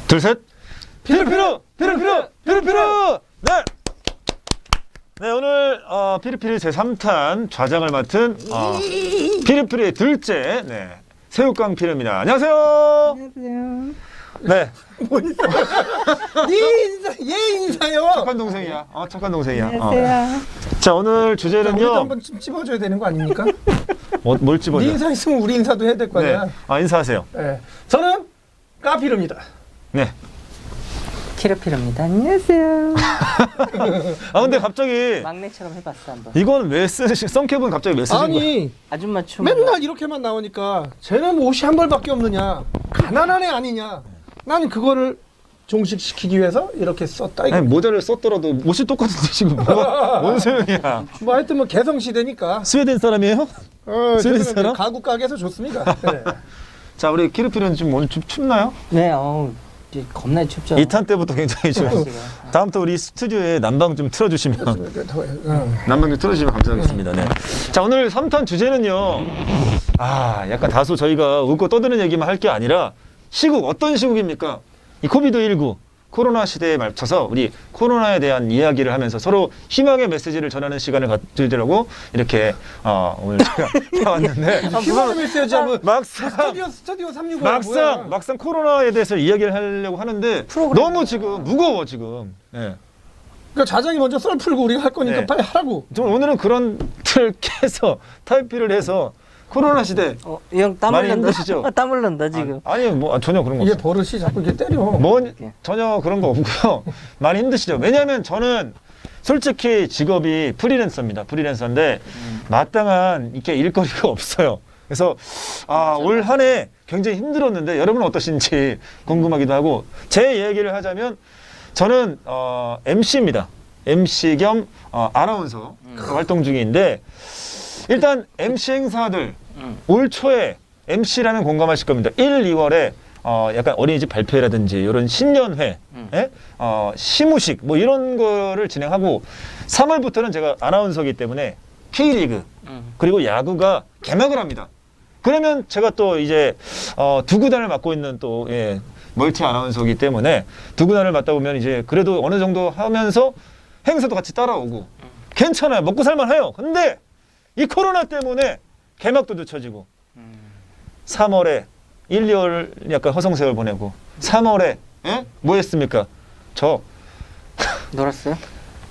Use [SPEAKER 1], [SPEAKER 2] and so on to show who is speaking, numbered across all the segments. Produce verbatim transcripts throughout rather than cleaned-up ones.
[SPEAKER 1] 둘, 셋. 피르피르! 피르피르! 피르피르! 네! 네, 오늘 어, 피르피르 제삼 탄 좌장을 맡은 어, 피르피르의 둘째, 네, 새우깡 피르입니다. 안녕하세요.
[SPEAKER 2] 안녕하세요.
[SPEAKER 1] 네.
[SPEAKER 2] 뭐 인사? 네 인사, 얘 인사요.
[SPEAKER 1] 착한 동생이야. 어, 착한 동생이야.
[SPEAKER 2] 안녕하세요.
[SPEAKER 1] 어. 자, 오늘 주제는요.
[SPEAKER 2] 우리도 한번 좀 찝어줘야 되는 거 아닙니까?
[SPEAKER 1] 뭐, 뭘 집어줘?
[SPEAKER 2] 네 인사 있으면 우리 인사도 해야 될 거 아니야.
[SPEAKER 1] 네. 아, 인사하세요.
[SPEAKER 2] 네. 저는 까피르입니다.
[SPEAKER 1] 네.
[SPEAKER 3] 피르피르입니다. 안녕하세요.
[SPEAKER 1] 아, 근데 갑자기
[SPEAKER 3] 막내처럼 해봤어 한번.
[SPEAKER 1] 이건 왜 쓰시? 썬캡은 갑자기 왜 쓰신 거예요?
[SPEAKER 2] 아니
[SPEAKER 3] 아줌마 춤.
[SPEAKER 2] 맨날 이렇게만 나오니까 쟤는 옷이 한 벌밖에 없느냐, 가난한 애 아니냐. 나는 그거를 종식시키기 위해서 이렇게 썼다. 이거.
[SPEAKER 1] 아니, 모자를 썼더라도 옷이 똑같은데 지금 뭐, 뭔 소용이야?
[SPEAKER 2] 뭐 하여튼 뭐 개성 시대니까.
[SPEAKER 1] 스웨덴 사람이에요?
[SPEAKER 2] 어,
[SPEAKER 1] 스웨덴
[SPEAKER 2] 저는
[SPEAKER 1] 사람?
[SPEAKER 2] 가구 가게에서 좋습니다. 네.
[SPEAKER 1] 자, 우리 키르피르는 지금 오늘 좀 춥나요?
[SPEAKER 3] 네, 어우, 이제 겁나 춥죠.
[SPEAKER 1] 이 탄 때부터 굉장히 좀.
[SPEAKER 3] 날씨가.
[SPEAKER 1] 다음부터 우리 스튜디오에 난방 좀 틀어주시면
[SPEAKER 2] 어.
[SPEAKER 1] 난방 좀 틀어주시면 감사하겠습니다. 네. 자, 오늘 삼 탄 주제는요. 아, 약간 다소 저희가 웃고 떠드는 얘기만 할 게 아니라 시국, 어떤 시국입니까? 이 코비드 십구 코로나 시대에 맞춰서 우리 코로나에 대한 이야기를 하면서 서로 희망의 메시지를 전하는 시간을 가지려고 이렇게 어, 오늘 제가 나왔는데
[SPEAKER 2] 희망의 메시지 하면
[SPEAKER 1] 막상
[SPEAKER 2] 스튜디오 스튜디오 삼육오
[SPEAKER 1] 막상 막상 코로나에 대해서 이야기를 하려고 하는데
[SPEAKER 3] 프로그램.
[SPEAKER 1] 너무 지금 무거워 지금. 예.
[SPEAKER 2] 그러니까 자장이 먼저 썰 풀고 우리가 할 거니까
[SPEAKER 1] 네.
[SPEAKER 2] 빨리 하라고.
[SPEAKER 1] 좀 오늘은 그런 틀 깨서 타이피를 해서 코로나 시대
[SPEAKER 3] 어, 형땀
[SPEAKER 1] 많이
[SPEAKER 3] 흘린다.
[SPEAKER 1] 힘드시죠?
[SPEAKER 3] 땀 흘린다 지금.
[SPEAKER 1] 아, 아니 뭐 아, 전혀 그런 거
[SPEAKER 2] 이게
[SPEAKER 1] 없어요.
[SPEAKER 2] 버릇이 자꾸 이렇게 때려.
[SPEAKER 1] 뭐 전혀 그런 거 없고요. 많이 힘드시죠. 왜냐하면 저는 솔직히 직업이 프리랜서입니다. 프리랜서인데
[SPEAKER 3] 음.
[SPEAKER 1] 마땅한 이렇게 일거리가 없어요. 그래서 아, 올 한 해 굉장히 힘들었는데 여러분은 어떠신지 궁금하기도 하고 제 얘기를 하자면 저는 어, 엠씨입니다. 엠씨 겸 어, 아나운서
[SPEAKER 3] 음.
[SPEAKER 1] 활동 중인데 일단 엠씨 행사들
[SPEAKER 3] 음.
[SPEAKER 1] 올 초에 엠씨라면 공감하실 겁니다. 일, 이월에 어, 약간 어린이집 발표라든지 이런 신년회,
[SPEAKER 3] 음.
[SPEAKER 1] 예? 어, 시무식 뭐 이런 거를 진행하고 삼월부터는 제가 아나운서이기 때문에 K리그
[SPEAKER 3] 음.
[SPEAKER 1] 그리고 야구가 개막을 합니다. 그러면 제가 또 이제 어, 두 구단을 맡고 있는 또 예, 멀티 아나운서이기 때문에 두 구단을 맡다 보면 이제 그래도 어느 정도 하면서 행사도 같이 따라오고 괜찮아요. 먹고 살만해요. 근데 이 코로나 때문에 개막도 늦춰지고
[SPEAKER 3] 음.
[SPEAKER 1] 삼월에 일, 이월 약간 허송세월 보내고 삼월에 예? 뭐 했습니까? 저
[SPEAKER 3] 놀았어요?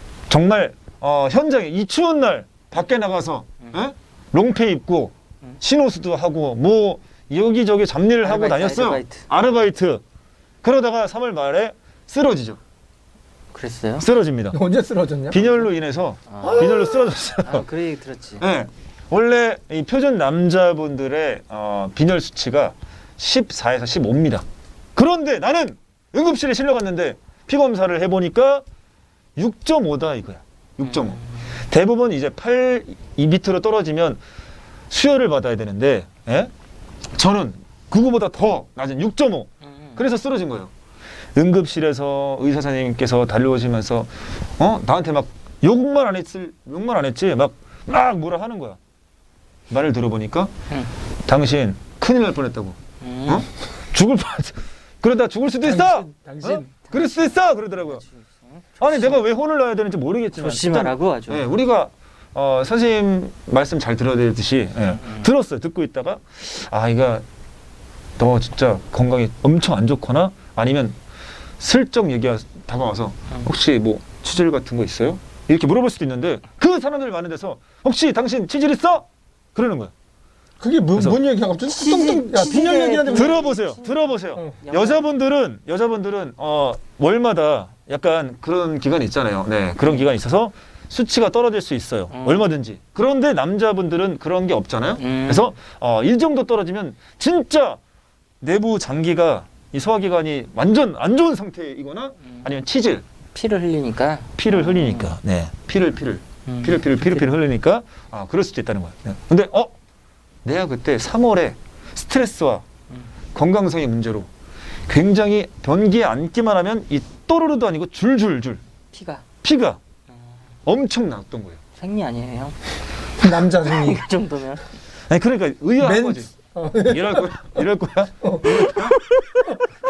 [SPEAKER 1] 정말 어, 현장에 이 추운 날 밖에 나가서 예? 롱페 입고
[SPEAKER 3] 음.
[SPEAKER 1] 신호수도 하고 뭐 여기저기 잡일을 하고
[SPEAKER 3] 아르바이트,
[SPEAKER 1] 다녔어요.
[SPEAKER 3] 아르바이트.
[SPEAKER 1] 아르바이트. 그러다가 삼월 말에 쓰러지죠.
[SPEAKER 3] 그랬어요?
[SPEAKER 1] 쓰러집니다.
[SPEAKER 2] 언제 쓰러졌냐?
[SPEAKER 1] 빈혈로 인해서
[SPEAKER 3] 아,
[SPEAKER 1] 빈혈로 쓰러졌어요.
[SPEAKER 3] 아, 그 얘기 들었지.
[SPEAKER 1] 네. 원래 이 표준 남자분들의 어, 빈혈 수치가 십사에서 십오입니다. 그런데 나는 응급실에 실려갔는데 피 검사를 해보니까 육 점 오다 이거야. 육 점 오.
[SPEAKER 3] 음.
[SPEAKER 1] 대부분 이제 팔 이 밑으로 떨어지면 수혈을 받아야 되는데 예? 저는 그거보다 더 낮은 육 점 오.
[SPEAKER 3] 음.
[SPEAKER 1] 그래서 쓰러진 거예요. 응급실에서 의사 선생님께서 달려오시면서 어 나한테 막 욕만 안 했을 욕만 안 했지 막 막 뭐라 하는 거야. 말을 들어보니까
[SPEAKER 3] 음.
[SPEAKER 1] 당신 큰일 날 뻔했다고.
[SPEAKER 3] 음.
[SPEAKER 1] 어? 죽을 뻔. 그러다 죽을 수도 있어.
[SPEAKER 2] 당신, 당신.
[SPEAKER 1] 어? 그럴 수도 있어. 그러더라고요. 아니 내가 왜 혼을 내야 되는지 모르겠지만
[SPEAKER 3] 조심하라고 아주.
[SPEAKER 1] 일단, 예, 우리가 어, 선생님 말씀 잘 들어야 되듯이 예,
[SPEAKER 3] 음.
[SPEAKER 1] 들었어요. 듣고 있다가 아 이거 너 진짜 건강이 엄청 안 좋거나 아니면 슬쩍 얘기가 다가와서
[SPEAKER 3] 음.
[SPEAKER 1] 혹시 뭐 치질 같은 거 있어요? 이렇게 물어볼 수도 있는데 그 사람들 많은 데서 혹시 당신 치질 있어? 그러는 거야.
[SPEAKER 2] 그게 뭐,
[SPEAKER 1] 그래서
[SPEAKER 2] 뭔 얘기야? 갑자기
[SPEAKER 3] 치질-
[SPEAKER 2] 뚱뚱 야 빈혈
[SPEAKER 3] 치질에
[SPEAKER 2] 얘기하는데 뭐-
[SPEAKER 1] 들어보세요. 들어보세요.
[SPEAKER 2] 어.
[SPEAKER 1] 여자분들은 여자분들은 어 월마다 약간 그런 기간이 있잖아요. 네, 그런 기간이 있어서 수치가 떨어질 수 있어요.
[SPEAKER 3] 음.
[SPEAKER 1] 얼마든지. 그런데 남자분들은 그런 게 없잖아요.
[SPEAKER 3] 음.
[SPEAKER 1] 그래서 어, 일 정도 떨어지면 진짜 내부 장기가 이 소화기관이 완전 안 좋은 상태이거나
[SPEAKER 3] 음.
[SPEAKER 1] 아니면 치질,
[SPEAKER 3] 피를 흘리니까.
[SPEAKER 1] 피를 흘리니까, 네, 피를 피를
[SPEAKER 3] 음.
[SPEAKER 1] 피를 피를 피를 피를 흘리니까 아 그럴 수도 있다는 거예요. 네. 근데 어 내가 그때 삼월에 스트레스와
[SPEAKER 3] 음.
[SPEAKER 1] 건강성의 문제로 굉장히 변기에 앉기만 하면 이 또르르도 아니고 줄줄줄
[SPEAKER 3] 피가
[SPEAKER 1] 피가
[SPEAKER 3] 음.
[SPEAKER 1] 엄청 났던 거예요.
[SPEAKER 3] 생리 아니에요, 형?
[SPEAKER 2] 남자 중이
[SPEAKER 3] 그 정도면.
[SPEAKER 1] 아니 그러니까 의아한
[SPEAKER 2] 맨-
[SPEAKER 1] 거지.
[SPEAKER 2] 어.
[SPEAKER 1] 이럴 거야? 이럴 거야?
[SPEAKER 2] 어.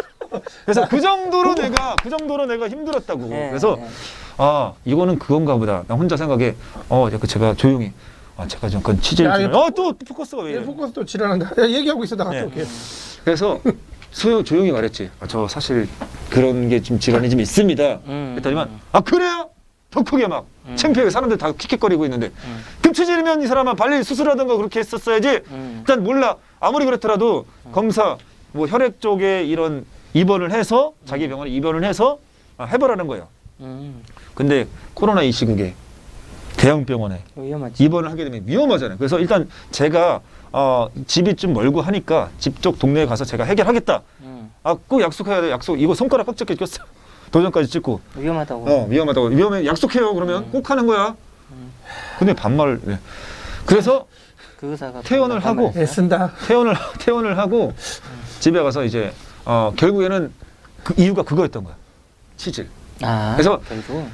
[SPEAKER 1] 그래서 그 정도로 내가 그 정도로 내가 힘들었다고.
[SPEAKER 3] 네,
[SPEAKER 1] 그래서
[SPEAKER 3] 네.
[SPEAKER 1] 아 이거는 그건가 보다. 나 혼자 생각해. 어, 약간 제가 조용히. 아, 제가 좀 그건 취재를.
[SPEAKER 2] 야,
[SPEAKER 1] 좀-
[SPEAKER 2] 이거-
[SPEAKER 1] 어, 또 포커스가 왜
[SPEAKER 2] 얘
[SPEAKER 1] 이래?
[SPEAKER 2] 포커스 또 지랄한다. 야, 얘기하고 있어 나 갔다
[SPEAKER 1] 네.
[SPEAKER 2] 올게.
[SPEAKER 1] 그래서 소영 조용히 말했지. 아, 저 사실 그런 게 좀 질환이 좀 있습니다.
[SPEAKER 3] 음,
[SPEAKER 1] 그랬더니만
[SPEAKER 3] 음.
[SPEAKER 1] 아 그래요? 더 크게 막
[SPEAKER 3] 음.
[SPEAKER 1] 창피하게 사람들 다 킥킥거리고 있는데
[SPEAKER 3] 음.
[SPEAKER 1] 급체질이면 이 사람아 빨리 수술하던가 그렇게 했었어야지.
[SPEAKER 3] 음.
[SPEAKER 1] 일단 몰라. 아무리 그렇더라도 검사 뭐 혈액 쪽에 이런 입원을 해서 자기 병원에 입원을 해서 아, 해보라는 거예요.
[SPEAKER 3] 음.
[SPEAKER 1] 근데 코로나 이 시국에 대형 병원에
[SPEAKER 3] 위험하지.
[SPEAKER 1] 입원을 하게 되면 위험하잖아요. 그래서 일단 제가 어, 집이 좀 멀고 하니까 집 쪽 동네에 가서 제가 해결하겠다.
[SPEAKER 3] 음.
[SPEAKER 1] 아, 꼭 약속해야 돼. 약속. 이거 손가락 꽉 잡게 꼈어. 도전까지 찍고.
[SPEAKER 3] 위험하다고.
[SPEAKER 1] 어, 위험하다고. 위험해. 약속해요. 그러면
[SPEAKER 3] 음.
[SPEAKER 1] 꼭 하는 거야.
[SPEAKER 3] 음.
[SPEAKER 1] 근데 반말. 네. 그래서
[SPEAKER 3] 그 의사가
[SPEAKER 1] 퇴원을
[SPEAKER 3] 반말-
[SPEAKER 1] 하고
[SPEAKER 3] 반말했어요?
[SPEAKER 2] 애쓴다.
[SPEAKER 1] 퇴원을 퇴원을 하고 집에 가서 이제 어, 결국에는 그 이유가 그거였던 거야. 치질.
[SPEAKER 3] 아,
[SPEAKER 1] 그래서
[SPEAKER 3] 결국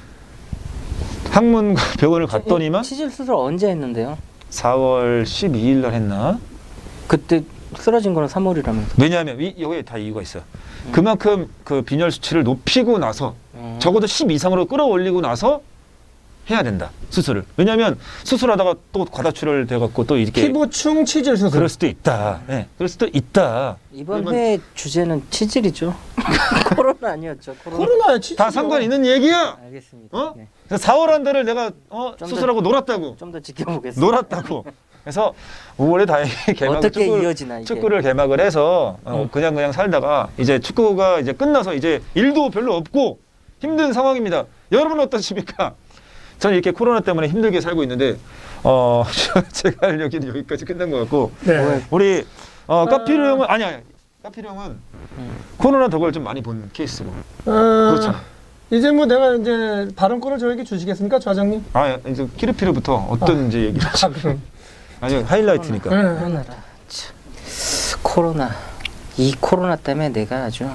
[SPEAKER 1] 학문 병원을 갔더니만
[SPEAKER 3] 치질 수술 언제 했는데요?
[SPEAKER 1] 사월 십이일 날 했나?
[SPEAKER 3] 그때 쓰러진 거는 삼월이라면서.
[SPEAKER 1] 왜냐하면 이, 여기에 다 이유가 있어요. 그만큼 그 빈혈 수치를 높이고 나서
[SPEAKER 3] 음.
[SPEAKER 1] 적어도 십 이상으로 끌어올리고 나서 해야 된다. 수술을. 왜냐하면 수술하다가 또 과다출혈 돼갖고 또 이렇게
[SPEAKER 2] 피부충 치질 수술.
[SPEAKER 1] 그럴 수도 있다. 네, 그럴 수도 있다.
[SPEAKER 3] 이번
[SPEAKER 1] 그러면
[SPEAKER 3] 회 주제는 치질이죠. 코로나 아니었죠. 코로나.
[SPEAKER 2] 코로나에 치질.
[SPEAKER 1] 다 상관 있는 얘기야.
[SPEAKER 3] 알겠습니다.
[SPEAKER 1] 어?
[SPEAKER 3] 네.
[SPEAKER 1] 그래서 사월 한 달을 내가 어,
[SPEAKER 3] 좀
[SPEAKER 1] 수술하고 놀았다고.
[SPEAKER 3] 좀 더 지켜보겠습니다.
[SPEAKER 1] 놀았다고. 그래서 오월에 다행히 개막
[SPEAKER 3] 어떻게
[SPEAKER 1] 축구,
[SPEAKER 3] 이어지나 이게.
[SPEAKER 1] 축구를 개막을 해서 어,
[SPEAKER 3] 음.
[SPEAKER 1] 그냥 그냥 살다가 이제 축구가 이제 끝나서 이제 일도 별로 없고 힘든 상황입니다. 여러분은 어떠십니까? 저는 이렇게 코로나 때문에 힘들게 살고 있는데 어 제가 할 얘기는 여기까지 끝난 것 같고
[SPEAKER 2] 네.
[SPEAKER 1] 우리 어, 까피르 형은 아니 아니 까피르 형은
[SPEAKER 3] 음.
[SPEAKER 1] 코로나 덕을 좀 많이 본 케이스고
[SPEAKER 2] 어,
[SPEAKER 1] 그렇잖아.
[SPEAKER 2] 이제 뭐 내가 이제 발언권을 저에게 주시겠습니까, 좌장님?
[SPEAKER 1] 아 이제 키르피르부터 어떤 이제 얘기를
[SPEAKER 2] 아, 그럼.
[SPEAKER 1] 아니 하이라이트니까.
[SPEAKER 2] 네.
[SPEAKER 3] 코로나라. 참. 코로나. 이 코로나 때문에 내가 아주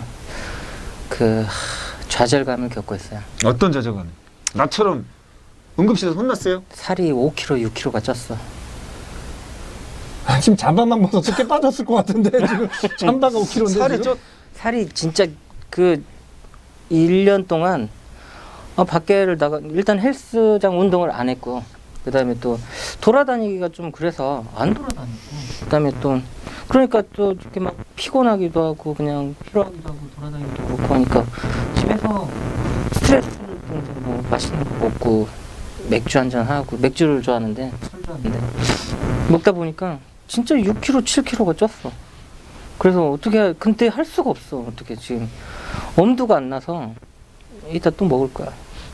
[SPEAKER 3] 그 하, 좌절감을 겪고 있어요.
[SPEAKER 1] 어떤 자저감? 나처럼 응급실에서 혼났어요?
[SPEAKER 3] 살이 오 킬로그램, 육 킬로그램가 쪘어.
[SPEAKER 2] 아, 지금 잠바만 벗어서 꽤 빠졌을 것 같은데 지금 잠바가 오 킬로그램인데
[SPEAKER 1] 살이
[SPEAKER 2] 지금?
[SPEAKER 1] 쪄.
[SPEAKER 3] 살이 진짜 그 일 년 동안 어, 밖에를 나가 일단 헬스장 운동을 안 했고 그다음에 또 돌아다니기가 좀 그래서 안 돌아다니고 그다음에 또 그러니까 또 이렇게 막 피곤하기도 하고 그냥 피로하기도 하고 돌아다니기도 그렇고 하니까 집에서 스트레스 때문에 뭐 맛있는 거 먹고 맥주 한잔 하고 맥주를 좋아하는데 술 좋아하는데 먹다 보니까 진짜 육 킬로그램, 칠 킬로그램가 쪘어. 그래서 어떻게 근데 할 수가 없어. 어떻게 지금 엄두가 안 나서 이따 또 먹을 거야.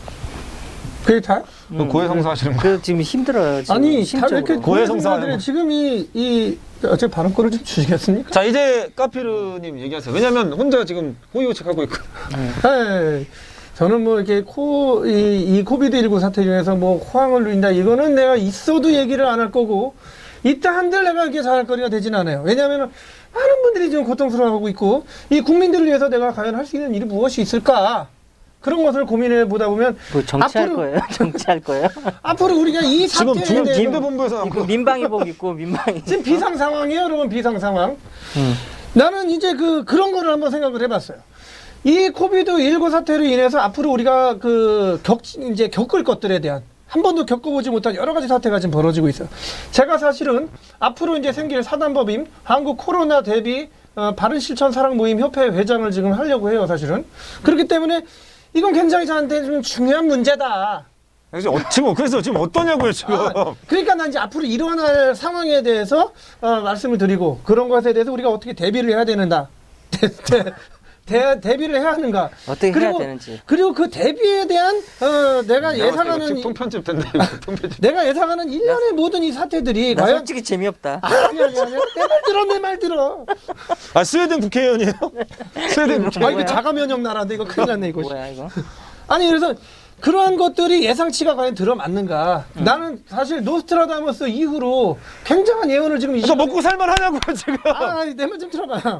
[SPEAKER 2] 그게 다?
[SPEAKER 1] 그 고해성사 하시는 거예요?
[SPEAKER 3] 그래서 지금 힘들어요. 지금
[SPEAKER 2] 아니 다
[SPEAKER 3] 심적으로.
[SPEAKER 2] 이렇게
[SPEAKER 1] 고해성사하는
[SPEAKER 2] 고해성사들이
[SPEAKER 1] 거.
[SPEAKER 2] 지금 이이 제 발언권을 좀 주시겠습니까?
[SPEAKER 1] 자 이제 까피르님 얘기하세요. 왜냐면 혼자 지금 호의호책하고 있고.
[SPEAKER 2] 네. 저는 뭐 이렇게 코, 이, 이 코비드 십구 사태 중에서 뭐 호황을 누린다. 이거는 내가 있어도 얘기를 안 할 거고, 있다 한들 내가 이렇게 잘할 거리가 되진 않아요. 왜냐하면 많은 분들이 지금 고통스러워하고 있고, 이 국민들을 위해서 내가 과연 할 수 있는 일이 무엇이 있을까? 그런 것을 고민해 보다 보면,
[SPEAKER 3] 뭐 정치할
[SPEAKER 2] 앞으로-
[SPEAKER 3] 거예요? 정치할 거예요?
[SPEAKER 2] 앞으로 우리가 이
[SPEAKER 1] 지금
[SPEAKER 2] 사태에
[SPEAKER 1] 지금
[SPEAKER 2] 대해서
[SPEAKER 1] 김대본부에서
[SPEAKER 3] 이거 민방위복 입고 민방위.
[SPEAKER 2] 지금 비상 상황이에요, 여러분. 비상 상황.
[SPEAKER 3] 음.
[SPEAKER 2] 나는 이제 그 그런 거를 한번 생각을 해봤어요. 이 코비드 십구 사태로 인해서 앞으로 우리가 그 겪, 이제 겪을 것들에 대한 한 번도 겪어보지 못한 여러 가지 사태가 지금 벌어지고 있어요. 제가 사실은 앞으로 이제 생길 사단법인 한국 코로나 대비 어, 바른 실천 사랑 모임 협회 회장을 지금 하려고 해요, 사실은. 그렇기 때문에 이건 굉장히 저한테 좀 중요한 문제다.
[SPEAKER 1] 그래서 어, 지금 그래서 지금 어떠냐고요 지금.
[SPEAKER 2] 아, 그러니까 난 이제 앞으로 일어날 상황에 대해서 어, 말씀을 드리고 그런 것에 대해서 우리가 어떻게 대비를 해야 되는가. 대, 대, 대, 대비를 해야 하는가.
[SPEAKER 3] 어떻게 해야
[SPEAKER 2] 그리고,
[SPEAKER 3] 되는지.
[SPEAKER 2] 그리고 그 대비에 대한 어, 내가 예상하는 이-
[SPEAKER 1] 통편집 된다 이거 통편집.
[SPEAKER 2] 내가 예상하는 일련의 모든 이 사태들이
[SPEAKER 3] 나
[SPEAKER 2] 과연
[SPEAKER 3] 솔직히 재미없다.
[SPEAKER 2] 아니 아니 아니 내 말 들어 내 말 들어.
[SPEAKER 1] 아 스웨덴 국회의원이에요? 스웨덴
[SPEAKER 2] 아
[SPEAKER 1] 국회.
[SPEAKER 2] 이거 자가 면역 나라인데 이거 큰일 났네 이거.
[SPEAKER 3] 뭐야 이거?
[SPEAKER 2] 아니 그래서 그러한 것들이 예상치가 과연 들어맞는가? 나는 사실 노스트라다무스 이후로 굉장한 예언을 지금 이
[SPEAKER 1] 그래서
[SPEAKER 2] 시간에-
[SPEAKER 1] 먹고 살만하냐고요 지금.
[SPEAKER 2] 아, 내 말 좀 들어봐.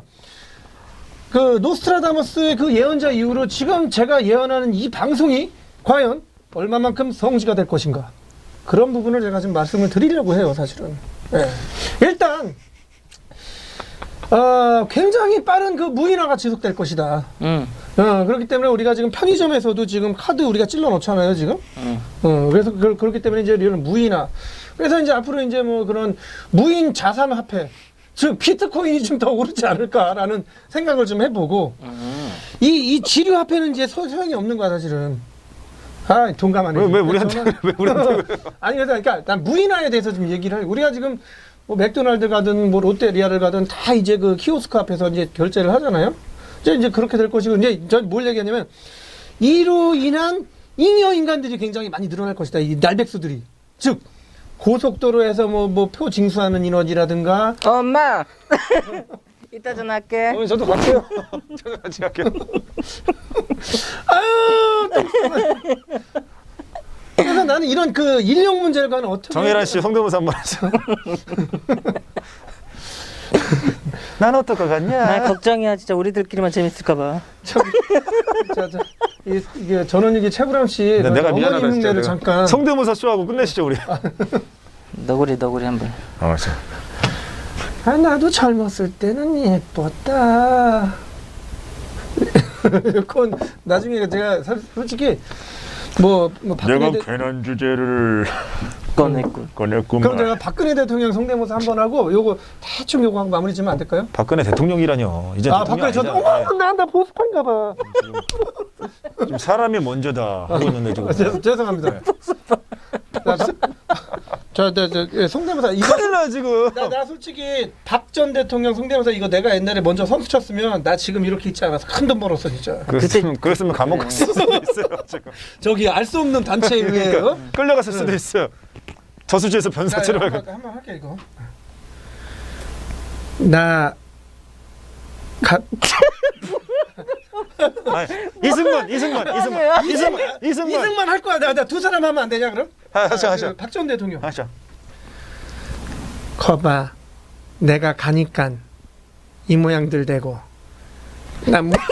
[SPEAKER 2] 그 노스트라다무스의 그 예언자 이후로 지금 제가 예언하는 이 방송이 과연 얼마만큼 성지가 될 것인가? 그런 부분을 제가 지금 말씀을 드리려고 해요, 사실은. 예. 일단 어, 굉장히 빠른 그 무인화가 지속될 것이다.
[SPEAKER 3] 응.
[SPEAKER 2] 어, 그렇기 때문에 우리가 지금 편의점에서도 지금 카드 우리가 찔러 넣잖아요, 지금.
[SPEAKER 3] 응.
[SPEAKER 2] 어, 그래서 그, 그렇기 때문에 이제 이런 무인화. 그래서 이제 앞으로 이제 뭐 그런 무인 자산 화폐, 즉 비트코인이 좀 더 오르지 않을까라는 생각을 좀 해보고
[SPEAKER 3] 응.
[SPEAKER 2] 이, 이 지류 화폐는 이제 소, 소용이 없는 거야, 사실은. 아, 동감하네.
[SPEAKER 1] 왜, 왜 우리한테 왜 우리한테
[SPEAKER 2] 아니 그래서 그러니까 난 무인화에 대해서 좀 얘기를 해. 우리가 지금 뭐 맥도날드 가든 뭐 롯데리아를 가든 다 이제 그 키오스크 앞에서 이제 결제를 하잖아요. 이제 이제 그렇게 될 것이고 이제 전 뭘 얘기하냐면 이로 인한 잉여 인간들이 굉장히 많이 늘어날 것이다. 이 날백수들이. 즉 고속도로에서 뭐 뭐 표 징수하는 인원이라든가
[SPEAKER 3] 엄마. 이따 전화할게.
[SPEAKER 1] 어머니 저도 갈게요. 저도 같이 갈게요.
[SPEAKER 2] 아유 또 그래서 나는 이런 그 인력 문제를 가는 어떻게
[SPEAKER 1] 정혜란 씨 성대모사 한번 하죠. 난 어떨 것 같냐?
[SPEAKER 3] 나 걱정이야. 진짜 우리들끼리만 재밌을까봐.
[SPEAKER 2] 저기, 자, 자, 이, 이게 전원일기 최불암 씨
[SPEAKER 1] 네, 내가 미안하다
[SPEAKER 2] 어머니
[SPEAKER 1] 진짜.
[SPEAKER 2] 흉내를
[SPEAKER 1] 내가.
[SPEAKER 2] 잠깐
[SPEAKER 1] 성대모사 쇼하고 끝내시죠 우리.
[SPEAKER 3] 너구리 너구리 한번.
[SPEAKER 1] 어, 자.
[SPEAKER 2] 아 나도 젊었을 때는 예뻤다. 그건 나중에 제가 사- 솔직히 뭐, 뭐 박근혜
[SPEAKER 1] 내가
[SPEAKER 2] 대,
[SPEAKER 1] 괜한 주제를
[SPEAKER 3] 꺼냈군.
[SPEAKER 1] 꺼냈구만.
[SPEAKER 2] 그럼 제가 박근혜 대통령 성대모사 한번 하고 요거 대충 요거 하고 마무리 지으면 안 될까요?
[SPEAKER 1] 박근혜 대통령이라뇨. 이제
[SPEAKER 2] 아
[SPEAKER 1] 대통령
[SPEAKER 2] 박근혜 저도
[SPEAKER 1] 아니잖아.
[SPEAKER 2] 어머 나나 보수파인가 봐.
[SPEAKER 1] 지금 사람이 먼저다 하고 있는데 지금.
[SPEAKER 2] 아, 죄, 죄송합니다. 자, 자, 자, 자, 자, 예, 성대모사 이거
[SPEAKER 1] 큰일 나 지금.
[SPEAKER 2] 나, 나 솔직히 박 전 대통령 성대모사 이거 내가 옛날에 먼저 선수 쳤으면 나 지금 이렇게 있지 않아서 큰 돈 벌었어 진짜.
[SPEAKER 1] 그랬으면, 그랬으면 감옥 갔을 수도 있어요 지금.
[SPEAKER 2] 저기 알 수 없는 단체에 의해
[SPEAKER 1] 그러니까 끌려갔을 수도
[SPEAKER 2] 네.
[SPEAKER 1] 있어요. 저수지에서 변사체로
[SPEAKER 2] 자,
[SPEAKER 1] 가.
[SPEAKER 2] 한번, 한번 할게 이거. 나 가,
[SPEAKER 1] 아니, 이승만, 이승만, 이승만, 이승만, 이승만.
[SPEAKER 2] 이승만 할 거야. 나 두 사람 하면 안 되냐 그럼?
[SPEAKER 1] 하셔, 하셔,
[SPEAKER 2] 박 전 대통령.
[SPEAKER 1] 하셔.
[SPEAKER 2] 거봐, 내가 가니까 이 모양들 되고 난 뭐.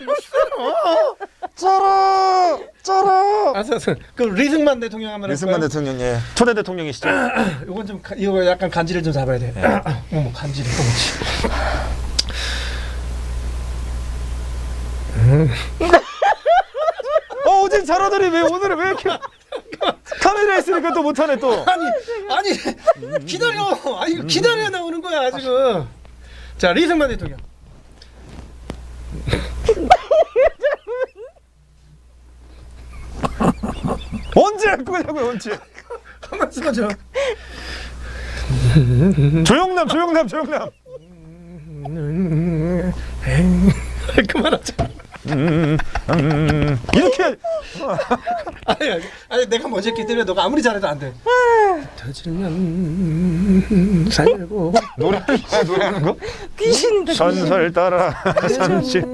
[SPEAKER 1] 쩔어, 쩔어.
[SPEAKER 2] 알았어, 알았어. 그럼 리승만 대통령 한번
[SPEAKER 1] 이승만
[SPEAKER 2] 할까요?
[SPEAKER 1] 대통령, 예, 초대 대통령이시죠.
[SPEAKER 2] 이건 좀 가- 이거 약간 간지를 좀 잡아야 돼. 어머 간지를 또
[SPEAKER 1] 어, 어제 잘하더니 왜 오늘은 왜 이렇게 카메라 있으니까 또 못하네 또.
[SPEAKER 2] 아니 아니 기다려. 아니 이거 기다려 나오는 거야 지금. 자 리승만 대통령.
[SPEAKER 1] 언제 할 거냐고요, 언제?
[SPEAKER 2] 한번 써줘.
[SPEAKER 1] 조영남, 조영남, 조영남.
[SPEAKER 2] 그만하자.
[SPEAKER 1] 음, 음, 이렇게
[SPEAKER 2] 아니, 아니, 아니 내가 먼저 했기 때문에 너가 아무리 잘해도 안 돼. 터지면 살고
[SPEAKER 1] 노래 아, 노래하는 거?
[SPEAKER 3] 귀신이다.
[SPEAKER 1] 전설 따라 삼십.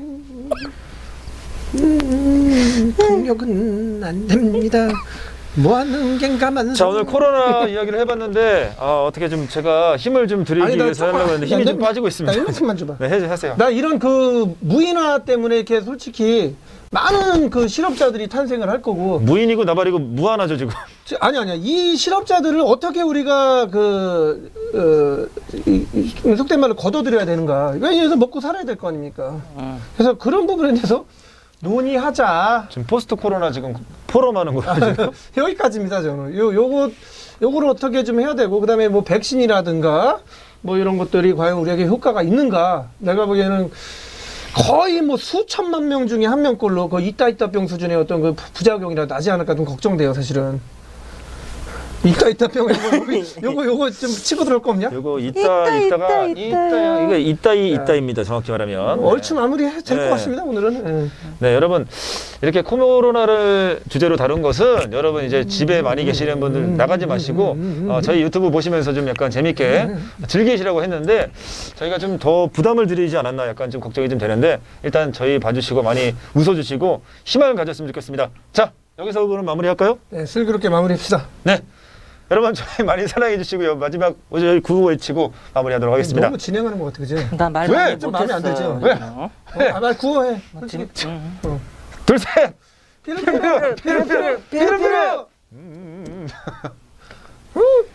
[SPEAKER 2] 폭력은 안 됩니다. 뭐하는 겐가만.
[SPEAKER 1] 자, 오늘 코로나 이야기를 해봤는데 아, 어떻게 좀 제가 힘을 좀 드리기
[SPEAKER 2] 아니, 나
[SPEAKER 1] 위해서
[SPEAKER 2] 조금만-
[SPEAKER 1] 하려고 했는데 힘이
[SPEAKER 2] 야,
[SPEAKER 1] 좀
[SPEAKER 2] 내-
[SPEAKER 1] 빠지고
[SPEAKER 2] 나
[SPEAKER 1] 있습니다.
[SPEAKER 2] 이만큼만 줘봐.
[SPEAKER 1] 네, 해, 하세요.
[SPEAKER 2] 나 이런 그 무인화 때문에 이렇게 솔직히 많은 그 실업자들이 탄생을 할 거고.
[SPEAKER 1] 무인이고 나발이고 무한하죠 지금.
[SPEAKER 2] 지- 아니 아니야. 이 실업자들을 어떻게 우리가 그 어, 이, 이, 속된 말로 걷어들여야 되는가? 왜냐해서 먹고 살아야 될 거 아닙니까?
[SPEAKER 3] 응.
[SPEAKER 2] 그래서 그런 부분에 대해서 논의하자.
[SPEAKER 1] 지금 포스트 코로나 지금 포럼하는 거예요. 지금.
[SPEAKER 2] 여기까지입니다 저는. 요 요거 요거를 어떻게 좀 해야 되고 그다음에 뭐 백신이라든가 뭐 이런 것들이 과연 우리에게 효과가 있는가? 내가 보기에는 거의 뭐 수천만 명 중에 한 명꼴로 그 이따 이따 병 수준의 어떤 그 부- 부작용이라 나지 않을까 좀 걱정돼요 사실은. 이따 이따 병 요거 요거 요거 좀 치고 들어올 거 없냐?
[SPEAKER 1] 요거 이따 이따가
[SPEAKER 3] 이따,
[SPEAKER 1] 이따 이게 이따이 이따입니다. 정확히 말하면.
[SPEAKER 2] 얼추 마무리 될 것
[SPEAKER 1] 네.
[SPEAKER 2] 같습니다 오늘은. 예.
[SPEAKER 1] 네, 여러분 이렇게 코로나를 주제로 다룬 것은 여러분 이제 집에 많이 계시는 분들 나가지 마시고 어, 저희 유튜브 보시면서 좀 약간 재밌게 즐기시라고 했는데 저희가 좀 더 부담을 드리지 않았나 약간 좀 걱정이 좀 되는데 일단 저희 봐주시고 많이 웃어주시고 희망을 가졌으면 좋겠습니다. 자, 여기서 오늘 마무리할까요?
[SPEAKER 2] 네, 슬기롭게 마무리합시다.
[SPEAKER 1] 네. 여러분 저희 많이 사랑해 주시고요. 마지막 저희 구호 외치고 마무리하도록 하겠습니다.
[SPEAKER 2] 너무 진행하는 것 같아, 그지?
[SPEAKER 3] 나말
[SPEAKER 1] 왜?
[SPEAKER 3] 많이
[SPEAKER 2] 좀
[SPEAKER 3] 못했어.
[SPEAKER 2] 마음에 안 들죠?
[SPEAKER 1] 왜?
[SPEAKER 3] 어?
[SPEAKER 2] 아, 말 구호해. 솔직히.
[SPEAKER 3] 응.
[SPEAKER 2] 어.
[SPEAKER 1] 둘, 셋.
[SPEAKER 2] 피르피르, 피르피르, 피르피르.
[SPEAKER 1] 음, 음, 음.
[SPEAKER 2] 음.